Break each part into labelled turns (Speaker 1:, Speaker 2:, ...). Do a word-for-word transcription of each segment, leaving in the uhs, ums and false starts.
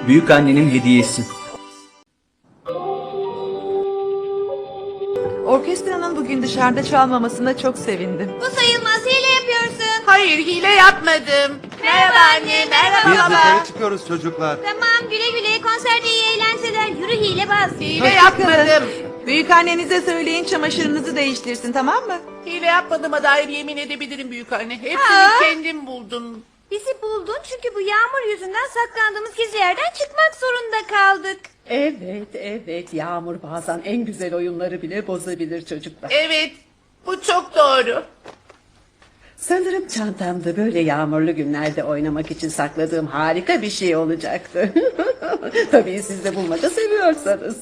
Speaker 1: büyük annenin hediyesi.
Speaker 2: Orkestranın bugün dışarıda çalmamasına çok sevindim.
Speaker 3: Bu sayılmaz, hile yapıyorsun.
Speaker 4: Hayır, hile yapmadım.
Speaker 3: Merhaba anne, merhaba
Speaker 5: Biz
Speaker 3: baba.
Speaker 5: dışarı çıkıyoruz çocuklar.
Speaker 3: Tamam, güle güle, konserde iyi eğlenceler. Yürü hilebaz.
Speaker 4: Hile yapmadım.
Speaker 2: Büyük annenize söyleyin çamaşırınızı değiştirsin, tamam mı?
Speaker 4: Hile yapmadığıma dair yemin edebilirim büyük anne. Hepsini
Speaker 3: Aa!
Speaker 4: kendim buldum.
Speaker 3: Bizi buldun çünkü bu yağmur yüzünden saklandığımız gizli yerden çıkmak zorunda kaldık.
Speaker 6: Evet, evet. Yağmur bazen en güzel oyunları bile bozabilir çocuklar.
Speaker 4: Evet, bu çok doğru.
Speaker 6: Sanırım çantamda böyle yağmurlu günlerde oynamak için sakladığım harika bir şey olacaktı. Tabii siz de bulmaca seviyorsanız.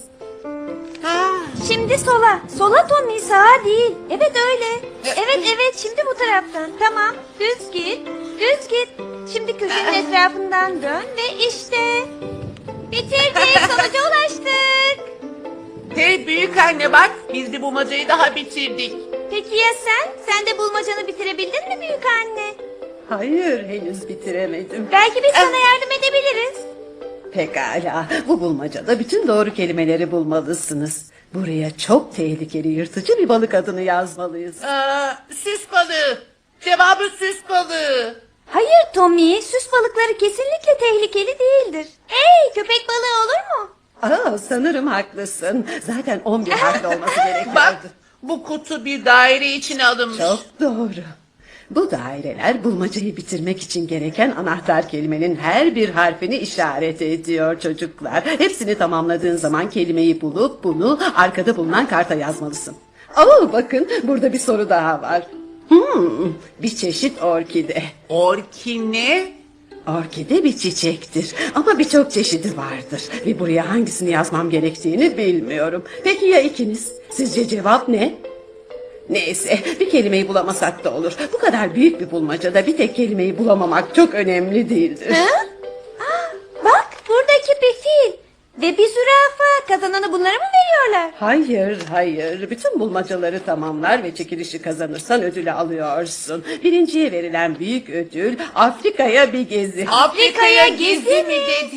Speaker 4: Ha,
Speaker 3: Şimdi sola. Sola Tommy, sağa değil. Evet öyle. Evet evet, şimdi bu taraftan. Tamam, düz git. Düz git. Şimdi köşenin etrafından dön ve işte. Bitirdik, sonuca ulaştık.
Speaker 4: hey büyük anne bak, biz bir bulmacayı daha bitirdik.
Speaker 3: Peki ya sen? Sen de bulmacanı bitirebildin mi büyük anne?
Speaker 6: Hayır, henüz bitiremedim.
Speaker 3: Belki biz sana yardım edebiliriz.
Speaker 6: Pekala, bu bulmacada bütün doğru kelimeleri bulmalısınız. Buraya çok tehlikeli yırtıcı bir balık adını yazmalıyız.
Speaker 4: Aa, süs balığı. Cevabı süs balığı.
Speaker 3: Hayır Tommy, süs balıkları kesinlikle tehlikeli değildir. Hey, köpek balığı olur mu?
Speaker 6: Aa, sanırım haklısın. Zaten on bir harfli olması
Speaker 4: Bak,
Speaker 6: gerekiyordu.
Speaker 4: bu kutu bir daire içine alınmış.
Speaker 6: Çok doğru. Bu daireler bulmacayı bitirmek için gereken anahtar kelimenin her bir harfini işaret ediyor çocuklar. Hepsini tamamladığın zaman kelimeyi bulup bunu arkada bulunan karta yazmalısın. Oo, bakın burada bir soru daha var. Hmm, bir çeşit orkide.
Speaker 4: Orkine.
Speaker 6: Orkide bir çiçektir ama birçok çeşidi vardır. Ve buraya hangisini yazmam gerektiğini bilmiyorum. Peki ya ikiniz? Sizce cevap ne? Neyse, bir kelimeyi bulamasak da olur. Bu kadar büyük bir bulmacada bir tek kelimeyi bulamamak çok önemli değildir.
Speaker 3: Ha? Aa, bak, buradaki bir fil ve bir zürafa. Kazananı bunlara mı veriyorlar?
Speaker 6: Hayır, hayır. Bütün bulmacaları tamamlar ve çekilişi kazanırsan ödülü alıyorsun. Birinciye verilen büyük ödül Afrika'ya bir gezi.
Speaker 4: Afrika'ya gezi mi dedi?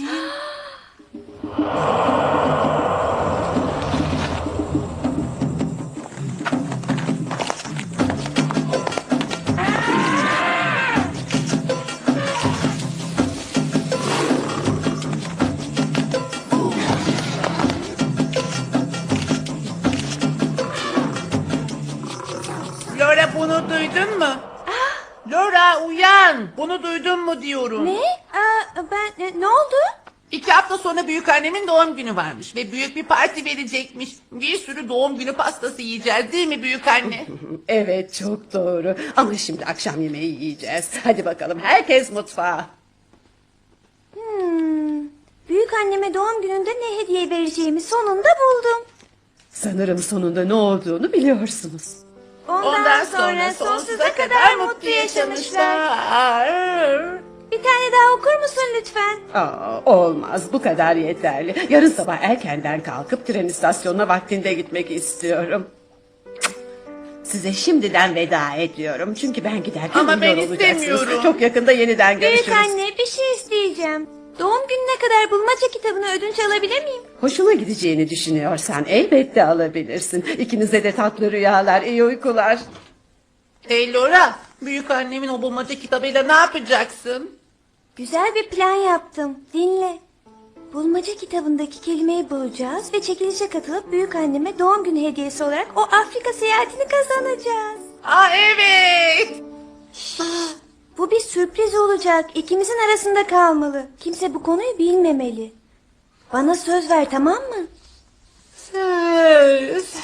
Speaker 4: Laura bunu duydun mu? Laura uyan. Bunu duydun mu diyorum.
Speaker 3: Ne? Aa, ben e, ne oldu?
Speaker 4: İki hafta sonra büyük annemin doğum günü varmış ve büyük bir parti verecekmiş. Bir sürü doğum günü pastası yiyeceğiz değil mi büyük anne?
Speaker 6: Evet, çok doğru. Ama şimdi akşam yemeği yiyeceğiz. Hadi bakalım, herkes mutfağa.
Speaker 3: Hmm, büyük anneme doğum gününde ne hediye vereceğimi sonunda buldum.
Speaker 6: Sanırım sonunda ne olduğunu biliyorsunuz.
Speaker 3: Ondan,
Speaker 4: Ondan
Speaker 3: sonra sonsuza kadar mutlu yaşamışlar. Bir tane daha okur musun lütfen?
Speaker 6: Aa, olmaz, bu kadar yeterli. Yarın sabah erkenden kalkıp tren istasyonuna vaktinde gitmek istiyorum. Size şimdiden veda ediyorum. Çünkü ben giderken
Speaker 4: Ama ben
Speaker 6: uyuyor olacaksınız.
Speaker 4: istemiyorum.
Speaker 6: Çok yakında yeniden görüşürüz.
Speaker 3: Büyük anne, bir şey isteyeceğim. Doğum gününe kadar bulmaca kitabını ödünç alabilir miyim?
Speaker 6: Hoşuna gideceğini düşünüyorsan elbette alabilirsin. İkinize de tatlı rüyalar, iyi uykular.
Speaker 4: Hey Laura, büyük annemin o bulmaca kitabıyla ne yapacaksın?
Speaker 3: Güzel bir plan yaptım. Dinle. Bulmaca kitabındaki kelimeyi bulacağız ve çekilişe katılıp büyük anneme doğum günü hediyesi olarak o Afrika seyahatini kazanacağız.
Speaker 4: Aa evet.
Speaker 3: Bu bir sürpriz olacak. İkimizin arasında kalmalı. Kimse bu konuyu bilmemeli. Bana söz ver, tamam mı?
Speaker 4: Söz.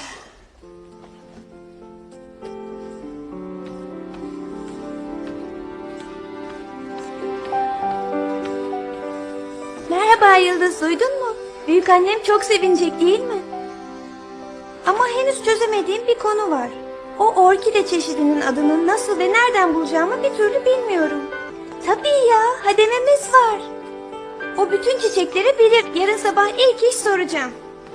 Speaker 3: Merhaba Yıldız, duydun mu? Büyük annem çok sevinecek değil mi? Ama henüz çözemediğim bir konu var. O orkide çeşidinin adını nasıl ve nereden bulacağımı bir türlü bilmiyorum. Tabii ya, hadememiz var. O bütün çiçekleri bilir. Yarın sabah ilk iş soracağım.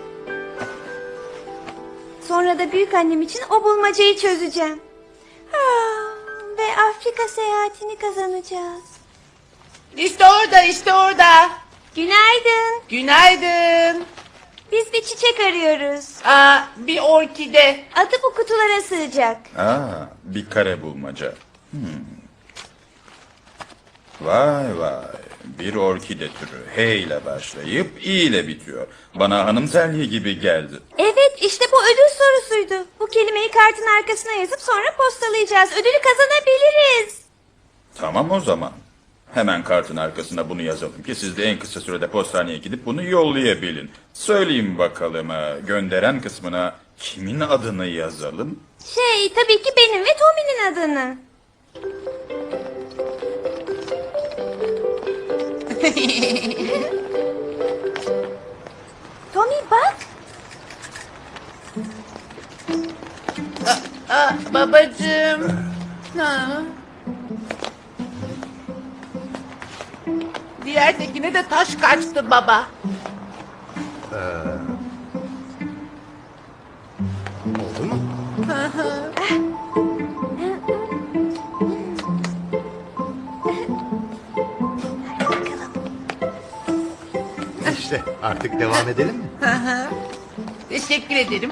Speaker 3: Sonra da büyük annem için o bulmacayı çözeceğim. Ah, ve Afrika seyahatini kazanacağız.
Speaker 4: İşte orada, işte orada.
Speaker 3: Günaydın.
Speaker 4: Günaydın.
Speaker 3: Biz bir çiçek arıyoruz.
Speaker 4: Aa, bir orkide.
Speaker 3: Adı bu kutulara sığacak.
Speaker 1: Aa, bir kare bulmaca. Hmm. Vay vay. Bir orkide türü. H ile başlayıp I ile bitiyor. Bana hanımselliği gibi geldi.
Speaker 3: Evet, işte bu ödül sorusuydu. Bu kelimeyi kartın arkasına yazıp sonra postalayacağız. Ödülü kazanabiliriz.
Speaker 1: Tamam o zaman. Hemen kartın arkasına bunu yazalım ki siz de en kısa sürede postaneye gidip bunu yollayabilin. Söyleyin bakalım e, gönderen kısmına kimin adını yazalım?
Speaker 3: Şey, tabii ki benim ve Tommy'nin adını. Tommy bak.
Speaker 4: Aa, babacığım. Ha. Diğer tekine de taş kaçtı baba.
Speaker 5: Oldu mu? İşte artık devam edelim mi?
Speaker 4: Teşekkür ederim.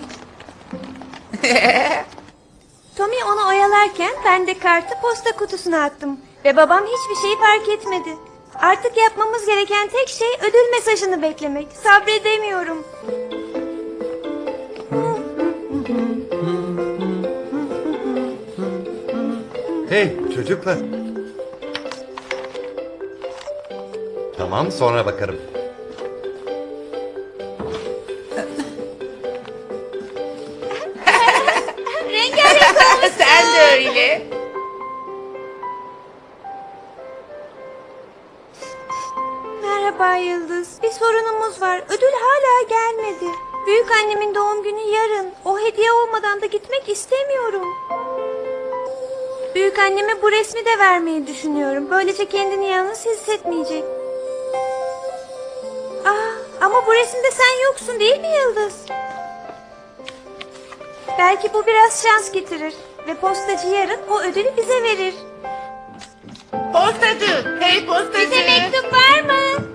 Speaker 3: Tommy onu oyalarken ben de kartı posta kutusuna attım. Ve babam hiçbir şeyi fark etmedi. Artık yapmamız gereken tek şey ödül mesajını beklemek. Sabredemiyorum.
Speaker 5: Hey çocuklar. Tamam sonra bakarım.
Speaker 3: Rengarenk
Speaker 4: Sen de öyle.
Speaker 3: Merhaba Yıldız. Bir sorunumuz var. Ödül hala gelmedi. Büyük annemin doğum günü yarın. O hediye olmadan da gitmek istemiyorum. Büyük anneme bu resmi de vermeyi düşünüyorum. Böylece kendini yalnız hissetmeyecek. Aa, ama bu resimde sen yoksun değil mi Yıldız? Belki bu biraz şans getirir. Ve postacı yarın o ödülü bize verir.
Speaker 4: Postacı. Hey postacı.
Speaker 3: Bize mektup var mı?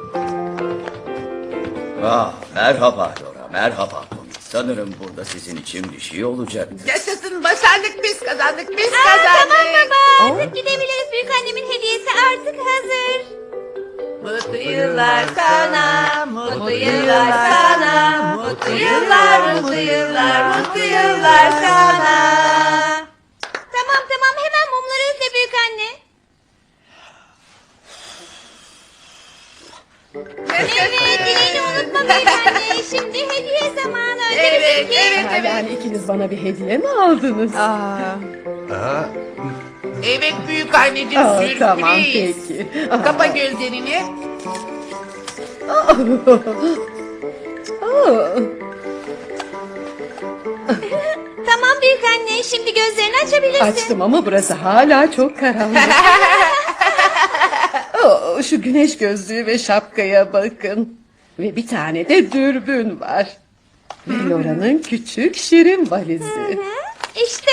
Speaker 7: Ah, merhaba Laura, merhaba Tommy. Sanırım burada sizin için bir şey olacaktır.
Speaker 4: Yaşasın başardık biz kazandık biz
Speaker 3: Aa,
Speaker 4: kazandık.
Speaker 3: tamam baba. Artık gidebiliriz. Büyük annemin hediyesi artık hazır.
Speaker 4: Mutlu yıllar sana, mutlu yıllar sana, mutlu yıllar, mutlu yıllar, mutlu yıllar sana.
Speaker 3: Tamam tamam hemen mumları üfle büyük anne. Evet dileğini unutma büyük anne. Şimdi hediye zamanı.
Speaker 4: Evet, evet,
Speaker 6: Yani
Speaker 4: evet.
Speaker 6: ikiniz bana bir hediye mi aldınız?
Speaker 2: Aa,
Speaker 5: Aa,
Speaker 4: Evet büyük anneciğim
Speaker 6: Aa,
Speaker 4: sürpriz.
Speaker 6: tamam peki. Aa.
Speaker 4: Kapa gözlerini.
Speaker 6: Aa.
Speaker 3: Tamam büyük anne şimdi gözlerini açabilirsin.
Speaker 6: Açtım ama burası hala çok karanlık. Oo, şu güneş gözlüğü ve şapkaya bakın. Ve bir tane de dürbün var. Ve Laura'nın küçük şirin valizi.
Speaker 3: Hı, İşte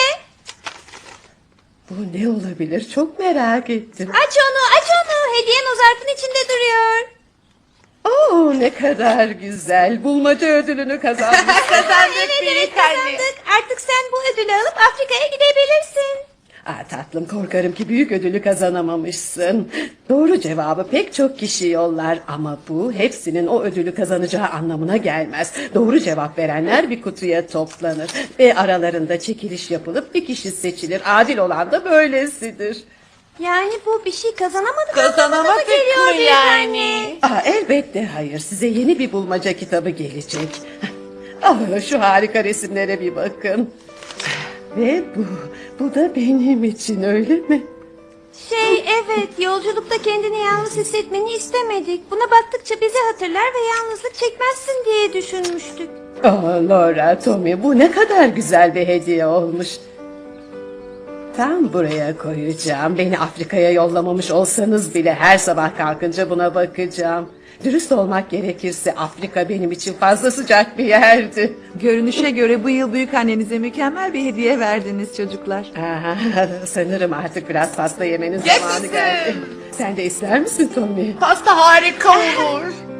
Speaker 6: Bu ne olabilir çok merak ettim.
Speaker 3: aç onu aç onu. Hediyen o zarfın içinde duruyor.
Speaker 6: Oo, ne kadar güzel. Bulmaca ödülünü kazanmış.
Speaker 4: Kazandık
Speaker 3: Evet evet
Speaker 4: büyük anne.
Speaker 3: kazandık. Artık sen bu ödülü alıp Afrika'ya gidebilirsin.
Speaker 6: Aa, tatlım korkarım ki büyük ödülü kazanamamışsın. Doğru cevabı pek çok kişi yollar ama bu hepsinin o ödülü kazanacağı anlamına gelmez. Doğru cevap verenler bir kutuya toplanır ve aralarında çekiliş yapılıp bir kişi seçilir. Adil olan da böylesidir.
Speaker 3: Yani bu bir şey kazanamadık
Speaker 4: Kazanamadık
Speaker 3: anlamına geliyor
Speaker 4: mı
Speaker 3: büyük
Speaker 4: yani?
Speaker 3: anne.
Speaker 6: Aa, elbette hayır, size yeni bir bulmaca kitabı gelecek. Ah, şu harika resimlere bir bakın. Ve bu, bu da benim için öyle mi?
Speaker 3: Şey evet yolculukta kendini yalnız hissetmeni istemedik. Buna baktıkça bizi hatırlar ve yalnızlık çekmezsin diye düşünmüştük.
Speaker 6: Aa, Laura, Tommy bu ne kadar güzel bir hediye olmuş. Tam buraya koyacağım. Beni Afrika'ya yollamamış olsanız bile her sabah kalkınca buna bakacağım. Dürüst olmak gerekirse Afrika benim için fazla sıcak bir yerdi.
Speaker 2: görünüşe göre bu yıl büyük annenize mükemmel bir hediye verdiniz çocuklar.
Speaker 6: Aha, sanırım artık biraz pasta yemenin
Speaker 4: Yaşasın.
Speaker 6: zamanı geldi. Sen de ister misin Tommy?
Speaker 4: Pasta harika olur.